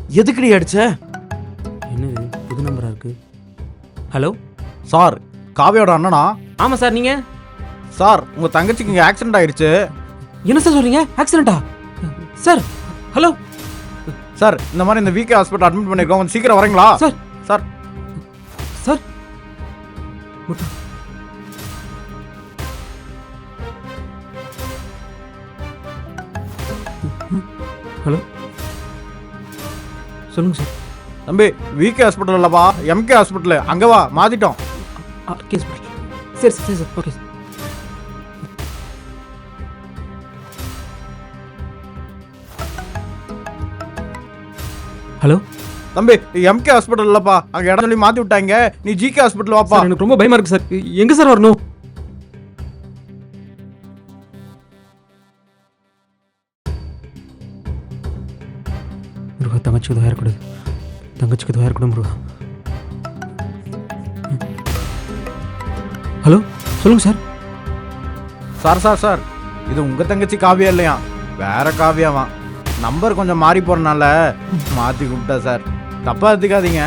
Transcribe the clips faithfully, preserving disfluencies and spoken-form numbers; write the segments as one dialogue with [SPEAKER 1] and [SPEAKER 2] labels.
[SPEAKER 1] எதுக்குடி அடிச்ச?
[SPEAKER 2] என்னது புது நம்பரா இருக்கு? ஹலோ
[SPEAKER 1] சார், காவியோட அண்ணனா?
[SPEAKER 2] ஆமாம் சார். நீங்கள்?
[SPEAKER 1] சார், உங்கள் தங்கச்சிக்கு இங்கே ஆக்சிடென்ட் ஆயிடுச்சு.
[SPEAKER 2] என்ன சார் சொல்கிறீங்க? ஆக்சிடென்ட்டா? சார் ஹலோ
[SPEAKER 1] சார், இந்த மாதிரி இந்த வீக்கே ஹாஸ்பிட்டல் அட்மிட் பண்ணியிருக்கோம், கொஞ்சம் சீக்கிரம் வரீங்களா?
[SPEAKER 2] சார்
[SPEAKER 1] சார்
[SPEAKER 2] சார் ஹலோ சொல்லுங்க சார்.
[SPEAKER 1] தம்பி, விகே ஹாஸ்பிட்டல் இல்லப்பா, எம்கே ஹாஸ்பிட்டல். அங்கே வா, மாற்றிட்டோம்.
[SPEAKER 2] RK hospital. சரி சரி சார். Okay sir. ஹலோ
[SPEAKER 1] தம்பி, எம்கே ஹாஸ்பிட்டல் இல்லப்பா, அங்கே இடம் சொல்லி மாற்றி விட்டாங்க. நீ ஜிகே ஹாஸ்பிட்டல் வாப்பா.
[SPEAKER 2] சார் எனக்கு ரொம்ப பயமா இருக்கு சார். எங்க சார் வரணும்? முருகா, தங்கச்சிக்கு எதுவும் ஆயிடக்கூடாது. தங்கச்சிக்கு எதுவும் ஆயிடக்கூடாது முருகா. ஹலோ சொல்லுங்க சார்.
[SPEAKER 1] சார் சார் சார் இது உங்கள் தங்கச்சி காவியா இல்லையா, வேற காவியாவா. நம்பர் கொஞ்சம் மாறி போகிறனால மாற்றி கூப்பிட்டா சார், தப்பாக எடுத்துக்காதீங்க.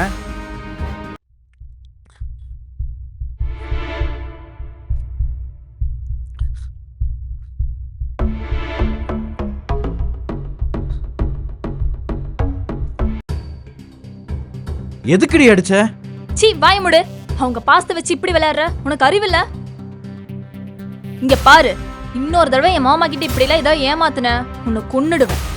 [SPEAKER 1] எதுக்குடி அடிச்ச?
[SPEAKER 3] சீ, வாய முடு. அவங்க பாஸ்த வச்சு இப்படி விளையாடுற, உனக்கு அறிவில்ல? இங்க பாரு, இன்னொரு தடவை என் மாமா கிட்ட இப்படி எல்லாம் ஏதாவது ஏமாத்துன உன்னை கொன்னுடுவேன்.